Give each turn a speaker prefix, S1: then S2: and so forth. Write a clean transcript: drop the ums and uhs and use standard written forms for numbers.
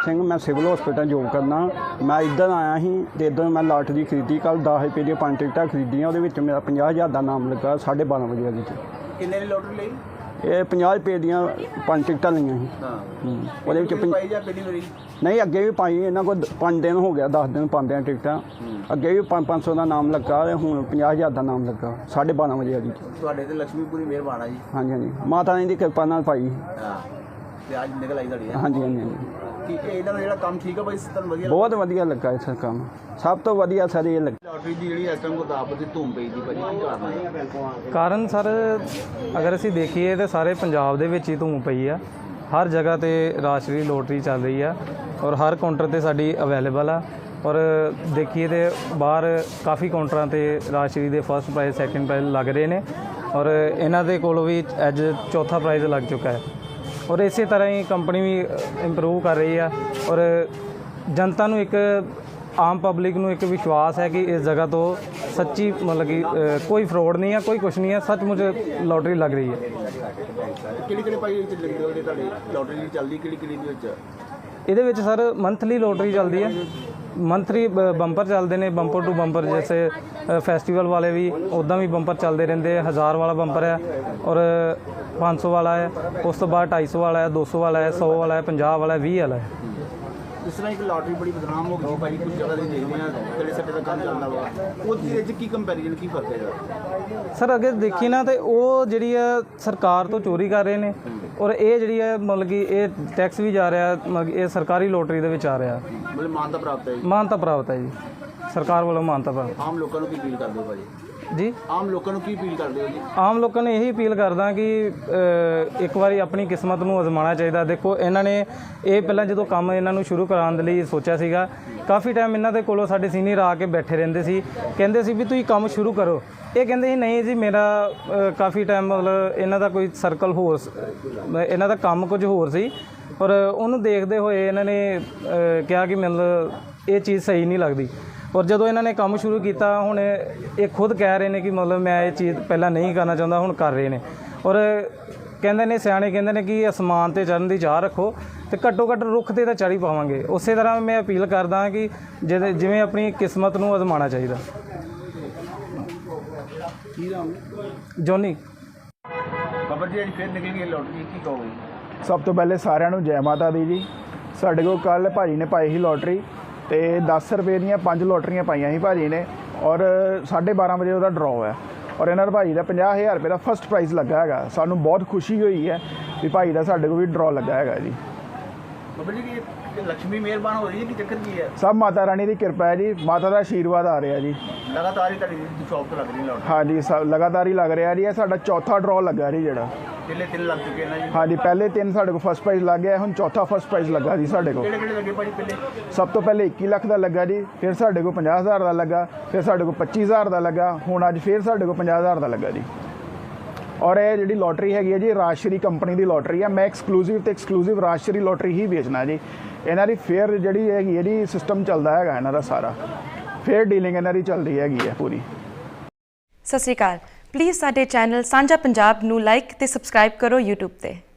S1: सिंह, मैं civil hospital job करना। मैं इधर आया ही तो इधर मैं लॉटरी खरीदी कल 10 रुपये दी 5 टिकटां खरीदियां, वो मेरा 50,000 का नाम लगा 12:30 बजे वाली च।
S2: किन्ने दी लॉटरी ਲਈ?
S1: ये 50 रुपये ਦੀਆਂ 5 टिकटां ਲਈਆਂ ਸੀ। ਉਹਦੇ ਵਿੱਚ नहीं अगे भी पाई, इन्हों को 5 दिन हो गया, 10 दिन पाते हैं टिकटां। अगे भी 500 का नाम लगा, हूँ 50,000 का नाम लगा 12:30 बजे वाली।
S2: ਤੁਹਾਡੇ ਤੇ ਲక్ష్ਮੀਪੁਰੀ ਮਿਹਰਬਾਨ ਆ ਜੀ।
S1: हाँ जी, हाँ जी, माता रानी की कृपा नाल पाई।
S2: ਤੇ ਅੱਜ ਨਿਕਲ ਆਈ ਤੁਹਾਡੀ।
S1: हाँ जी, हाँ जी, हाँ जी,
S2: ਕਿ ਇਹਨਾਂ ਦਾ ਜਿਹੜਾ ਕੰਮ ਠੀਕ ਆ ਬਾਈ, ਤੁਹਾਨੂੰ ਵਧੀਆ
S1: बहुत वधिया लगा इस काम, सब तो वधिया सर ये लगा।
S2: ਲੌਟਰੀ ਦੀ ਜਿਹੜੀ ਇਸ ਟਾਈਮ ਗੁਰਦਾਸਪੁਰ ਦੀ ਧੂਮ ਪਈ ਦੀ ਭਾਜੀ, ਕੀ ਕਾਰਨ ਹੈ?
S3: ਕਾਰਨ ਸਰ ਅਗਰ ਅਸੀਂ ਦੇਖੀਏ ਤਾਂ ਸਾਰੇ ਪੰਜਾਬ ਦੇ ਵਿੱਚ ਹੀ ਧੂਮ ਪਈ ਆ। ਹਰ ਜਗ੍ਹਾ ਤੇ ਰਾਸ਼ਟਰੀ ਲੋਟਰੀ ਚੱਲ ਰਹੀ ਆ ਔਰ ਹਰ ਕਾਊਂਟਰ ਤੇ ਸਾਡੀ ਅਵੇਲੇਬਲ ਆ। ਔਰ ਦੇਖੀਏ ਤੇ ਬਾਹਰ ਕਾਫੀ ਕਾਊਂਟਰਾਂ ਤੇ ਰਾਸ਼ਟਰੀ ਦੇ ਫਸਟ ਪ੍ਰਾਈਜ਼, ਸੈਕੰਡ ਪ੍ਰਾਈਜ਼ ਲੱਗ ਰਹੇ ਨੇ ਔਰ ਇਹਨਾਂ ਦੇ ਕੋਲ ਵੀ ਅੱਜ ਚੌਥਾ ਪ੍ਰਾਈਜ਼ ਲੱਗ ਚੁੱਕਾ ਹੈ। ਔਰ ਇਸੇ ਤਰ੍ਹਾਂ ਹੀ ਕੰਪਨੀ ਵੀ ਇੰਪਰੂਵ ਕਰ ਰਹੀ ਆ ਔਰ ਜਨਤਾ ਨੂੰ ਇੱਕ ਆਮ ਪਬਲਿਕ ਨੂੰ ਇੱਕ ਵਿਸ਼ਵਾਸ ਹੈ ਕਿ ਇਸ ਜਗ੍ਹਾ ਤੋਂ ਸੱਚੀ ਮਤਲਬ ਕਿ ਕੋਈ ਫਰੋਡ ਨਹੀਂ ਹੈ, ਕੋਈ ਕੁਛ ਨਹੀਂ ਹੈ, ਸੱਚਮੁੱਚ ਲੋਟਰੀ ਲੱਗ ਰਹੀ ਹੈ।
S2: ਕਿਹੜੀ ਭਾਈ ਵਿੱਚ ਲੱਗਦੇ ਹੋ ਤੁਹਾਡੀ ਲੋਟਰੀ ਚੱਲਦੀ, ਕਿਹੜੀ ਦੇ ਵਿੱਚ?
S3: ਇਹਦੇ ਵਿੱਚ ਸਰ ਮੰਥਲੀ ਲੋਟਰੀ ਚੱਲਦੀ ਹੈ, ਮੰਥਲੀ ਬੰਪਰ ਚੱਲਦੇ ਨੇ, ਬੰਪਰ ਟੂ ਬੰਪਰ। ਜੈਸੇ ਫੈਸਟੀਵਲ ਵਾਲੇ ਵੀ ਉੱਦਾਂ ਵੀ ਬੰਪਰ ਚੱਲਦੇ ਰਹਿੰਦੇ। 1000 ਵਾਲਾ ਬੰਪਰ ਹੈ ਔਰ 500 ਵਾਲਾ ਹੈ, ਉਸ ਤੋਂ ਬਾਅਦ 250 ਵਾਲਾ ਹੈ, 200 ਵਾਲਾ ਹੈ, 100 ਵਾਲਾ ਹੈ, 50 ਵਾਲਾ ਹੈ, 20 ਵਾਲਾ ਹੈ।
S2: ਜਿਸ ਤਰ੍ਹਾਂ ਇੱਕ ਲੋਟਰੀ ਬੜੀ ਬਦਨਾਮ ਹੋ ਗਈ ਭਾਈ, ਕੁਝ ਜਗ੍ਹਾ ਤੇ ਦੇਖਦੇ ਹਾਂ ਕਿਹੜੇ ਸੱਟੇ ਦਾ ਕੰਮ ਚੱਲਦਾ ਵਾ, ਉਹਦੇ ਵਿੱਚ ਕੀ ਕੰਪੈਰੀਜ਼ਨ, ਕੀ ਫਰਕ ਹੈ
S3: ਸਰ? ਅਗਰ ਦੇਖੀ ਨਾ ਤੇ ਉਹ ਜਿਹੜੀ ਹੈ ਸਰਕਾਰ ਤੋਂ ਚੋਰੀ ਕਰ ਰਹੇ ਨੇ ਔਰ ਇਹ ਜਿਹੜੀ ਹੈ ਮਤਲਬ ਕਿ ਇਹ ਟੈਕਸ ਵੀ ਜਾ ਰਿਹਾ, ਮਤਲਬ ਇਹ ਸਰਕਾਰੀ ਲੋਟਰੀ ਦੇ ਵਿੱਚ ਆ ਰਿਹਾ।
S2: ਮਤਲਬ ਮਾਨਤਾ ਪ੍ਰਾਪਤ ਹੈ ਜੀ?
S3: ਮਾਨਤਾ ਪ੍ਰਾਪਤ ਹੈ ਜੀ, ਸਰਕਾਰ ਵੱਲੋਂ ਮਾਨਤਾ ਪ੍ਰਾਪਤ।
S2: ਆਮ ਲੋਕਾਂ ਨੂੰ ਕੀ ਅਪੀਲ ਕਰਦੇ ਹੋ ਭਾਜੀ?
S3: ਜੀ,
S2: ਆਮ ਲੋਕਾਂ ਨੂੰ ਕੀ ਅਪੀਲ ਕਰਦੇ ਹੋ ਜੀ?
S3: ਆਮ ਲੋਕਾਂ ਨੇ ਇਹੀ ਅਪੀਲ ਕਰਦਾ ਕਿ ਇੱਕ ਵਾਰੀ ਆਪਣੀ ਕਿਸਮਤ ਨੂੰ ਅਜ਼ਮਾਉਣਾ ਚਾਹੀਦਾ। ਦੇਖੋ ਇਹਨਾਂ ਨੇ ਇਹ ਪਹਿਲਾਂ ਜਦੋਂ ਕੰਮ ਇਹਨਾਂ ਨੂੰ ਸ਼ੁਰੂ ਕਰਾਉਣ ਦੇ ਲਈ ਸੋਚਿਆ ਸੀਗਾ, ਕਾਫੀ ਟਾਈਮ ਇਹਨਾਂ ਦੇ ਕੋਲੋਂ ਸਾਡੇ ਸੀਨੀਅਰ ਆ ਕੇ ਬੈਠੇ ਰਹਿੰਦੇ ਸੀ, ਕਹਿੰਦੇ ਸੀ ਵੀ ਤੁਸੀਂ ਕੰਮ ਸ਼ੁਰੂ ਕਰੋ। ਇਹ ਕਹਿੰਦੇ ਸੀ ਨਹੀਂ ਜੀ, ਮੇਰਾ ਕਾਫੀ ਟਾਈਮ ਮਤਲਬ ਇਹਨਾਂ ਦਾ ਕੋਈ ਸਰਕਲ ਹੋਰ, ਇਹਨਾਂ ਦਾ ਕੰਮ ਕੁਝ ਹੋਰ ਸੀ ਔਰ ਉਹਨੂੰ ਦੇਖਦੇ ਹੋਏ ਇਹਨਾਂ ਨੇ ਕਿਹਾ ਕਿ ਮਤਲਬ ਇਹ ਚੀਜ਼ ਸਹੀ ਨਹੀਂ ਲੱਗਦੀ। ਔਰ ਜਦੋਂ ਇਹਨਾਂ ਨੇ ਕੰਮ ਸ਼ੁਰੂ ਕੀਤਾ, ਹੁਣ ਇਹ ਖੁਦ ਕਹਿ ਰਹੇ ਨੇ ਕਿ ਮਤਲਬ ਮੈਂ ਇਹ ਚੀਜ਼ ਪਹਿਲਾਂ ਨਹੀਂ ਕਰਨਾ ਚਾਹੁੰਦਾ, ਹੁਣ ਕਰ ਰਹੇ ਨੇ। ਔਰ ਕਹਿੰਦੇ ਨੇ ਸਿਆਣੇ ਕਹਿੰਦੇ ਨੇ ਕਿ ਅਸਮਾਨ ਤੇ ਚੜ੍ਹਨ ਦੀ ਚਾਹ ਰੱਖੋ ਤੇ ਘੱਟੋ ਘੱਟ ਰੁੱਖ 'ਤੇ ਤਾਂ ਚੜ੍ਹ ਹੀ ਪਾਵਾਂਗੇ। ਉਸੇ ਤਰ੍ਹਾਂ ਮੈਂ ਅਪੀਲ ਕਰਦਾ ਕਿ ਜਿਵੇਂ ਆਪਣੀ ਕਿਸਮਤ ਨੂੰ ਅਜ਼ਮਾਉਣਾ ਚਾਹੀਦਾ।
S2: ਕੀ ਨਾਮ?
S3: ਜੋਨੀ।
S2: ਖਬਰ ਜੀ ਅੱਜ ਫਿਰ ਨਿਕਲ ਗਈ ਲੋਟਰੀ, ਕੀ ਕਹੋਗੇ?
S4: ਸਭ ਤੋਂ ਪਹਿਲੇ ਸਾਰਿਆਂ ਨੂੰ ਜੈ ਮਾਤਾ ਦੀ ਜੀ। ਸਾਡੇ ਕੋਲ ਕੱਲ੍ਹ ਭਾਜੀ ਨੇ ਪਾਈ ਸੀ ਲੋਟਰੀ ਤੇ 10 ਰੁਪਏ ਦੀਆਂ 5 ਲੋਟਰੀਆਂ ਪਾਈਆਂ ਸੀ ਭਾਜੀ ਨੇ ਔਰ 12:30 ਵਜੇ ਉਹਦਾ ਡਰਾਅ ਹੈ ਔਰ ਇਹਨਾਂ ਦਾ ਭਾਜੀ ਦਾ 50,000 ਰੁਪਏ ਦਾ ਫਸਟ ਪ੍ਰਾਈਜ਼ ਲੱਗਾ ਹੈਗਾ। ਸਾਨੂੰ ਬਹੁਤ ਖੁਸ਼ੀ ਹੋਈ ਹੈ ਵੀ ਭਾਈ ਦਾ ਸਾਡੇ ਕੋਲ ਵੀ ਡਰਾਅ ਲੱਗਾ ਹੈਗਾ ਜੀ।
S2: ਬਾਬਾ ਜੀ ਕਿ ਲక్ష్ਮੀ ਮਿਹਰਬਾਨ ਹੋ ਰਹੀ ਹੈ ਕਿ ਚੱਕਰ ਕੀ ਹੈ?
S4: ਸਭ ਮਾਤਾ ਰਾਣੀ ਦੀ ਕਿਰਪਾ ਹੈ ਜੀ, ਮਾਤਾ ਦਾ ਆਸ਼ੀਰਵਾਦ ਆ ਰਿਹਾ ਜੀ।
S2: ਲਗਾਤਾਰ ਹੀ ਤੁਹਾਡੀ ਸ਼ੌਪ ਤੋਂ ਲੱਗ ਰਹੀ ਲੋਟਰੀ?
S4: ਹਾਂਜੀ, ਲਗਾਤਾਰ ਹੀ ਲੱਗ ਰਿਹਾ ਜੀ। ਇਹ ਸਾਡਾ ਚੌਥਾ ਡਰਾਅ ਲੱਗਾ ਜੀ ਜਿਹੜਾ।
S2: ਪਹਿਲੇ 3 ਲੱਗ ਚੁੱਕੇ ਨੇ ਜੀ? ਹਾਂਜੀ,
S4: ਪਹਿਲੇ 3 ਸਾਡੇ ਕੋਲ ਫਸਟ ਪ੍ਰਾਈਜ਼ ਲੱਗ ਗਿਆ, ਹੁਣ ਚੌਥਾ ਫਸਟ ਪ੍ਰਾਈਜ਼ ਲੱਗਾ ਜੀ ਸਾਡੇ ਕੋਲ।
S2: ਕਿਹੜੇ ਲੱਗੇ ਭਾਜੀ ਪਹਿਲੇ?
S4: ਸਭ ਤੋਂ ਪਹਿਲੇ 21 ਲੱਖ ਦਾ ਲੱਗਾ ਜੀ, ਫਿਰ ਸਾਡੇ ਕੋਲ 50,000 ਦਾ ਲੱਗਾ, ਫਿਰ ਸਾਡੇ ਕੋਲ 25,000 ਦਾ ਲੱਗਾ, ਹੁਣ ਅੱਜ ਫਿਰ ਸਾਡੇ ਕੋਲ 50,000 ਦਾ ਲੱਗਾ ਜੀ। ਔਰ ਇਹ ਜਿਹੜੀ ਲੋਟਰੀ ਹੈਗੀ ਹੈ ਜੀ, ਰਾਜਸ਼ਰੀ ਕੰਪਨੀ ਦੀ ਲੋਟਰੀ ਹੈ। ਮੈਂ ਐਕਸਕਲੂਸਿਵ ਰਾਜਸ਼ਰੀ ਲੋਟਰੀ ਹੀ ਵੇਚਣਾ ਜੀ। ਇਹਨਾਂ ਦੀ ਫੇਅਰ ਜਿਹੜੀ ਹੈਗੀ ਇਹਦੀ ਸਿਸਟਮ ਚੱਲਦਾ ਹੈਗਾ, ਇਹਨਾਂ ਦਾ ਸਾਰਾ ਫੇਅਰ ਡੀਲਿੰਗ ਇਹਨਾਂ ਦੀ ਚੱਲਦੀ ਹੈਗੀ ਹੈ ਪੂਰੀ।
S5: ਸਤਿ ਸ਼੍ਰੀ ਅਕਾਲ। ਪਲੀਜ਼ ਸਾਡੇ ਚੈਨਲ ਸਾਂਝਾ ਪੰਜਾਬ ਨੂੰ ਲਾਈਕ ਤੇ ਸਬਸਕ੍ਰਾਈਬ ਕਰੋ YouTube ਤੇ।